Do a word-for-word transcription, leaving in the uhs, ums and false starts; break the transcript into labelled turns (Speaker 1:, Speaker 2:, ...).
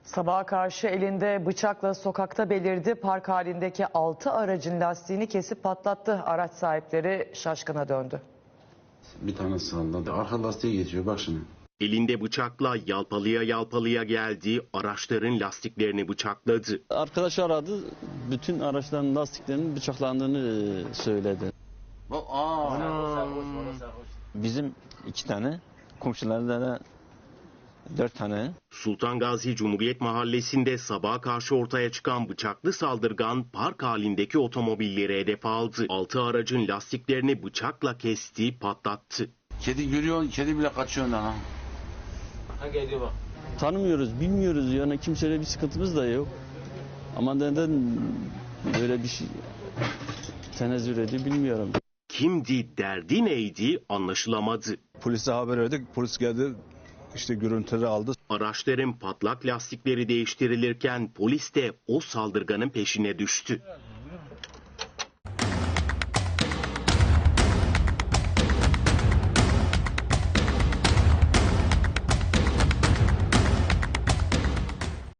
Speaker 1: Sabaha karşı elinde bıçakla sokakta belirdi. Park halindeki altı aracın lastiğini kesip patlattı. Araç sahipleri şaşkına döndü.
Speaker 2: Bir tane salladı. Arka lastiği geçiyor bak şimdi.
Speaker 3: Elinde bıçakla yalpalıya yalpalıya geldi, araçların lastiklerini bıçakladı.
Speaker 4: Arkadaş aradı, bütün araçların lastiklerinin bıçaklandığını söyledi.
Speaker 2: Aa.
Speaker 4: Bizim iki tane, komşularda da dört tane.
Speaker 3: Sultan Gazi Cumhuriyet Mahallesi'nde sabaha karşı ortaya çıkan bıçaklı saldırgan park halindeki otomobilleri hedef aldı. Altı aracın lastiklerini bıçakla kesti, patlattı.
Speaker 2: Kedi görüyor, kedi bile kaçıyor ondan ha.
Speaker 5: Ha geliyor bak.
Speaker 4: Tanımıyoruz, bilmiyoruz yani kimseyle bir sıkıntımız da yok. Ama neden böyle bir şey tenezzül ediyor bilmiyorum.
Speaker 3: Kimdi, derdi neydi anlaşılamadı.
Speaker 6: Polise haber verdik, polis geldi, işte görüntüleri aldı.
Speaker 3: Araçların patlak lastikleri değiştirilirken polis de o saldırganın peşine düştü.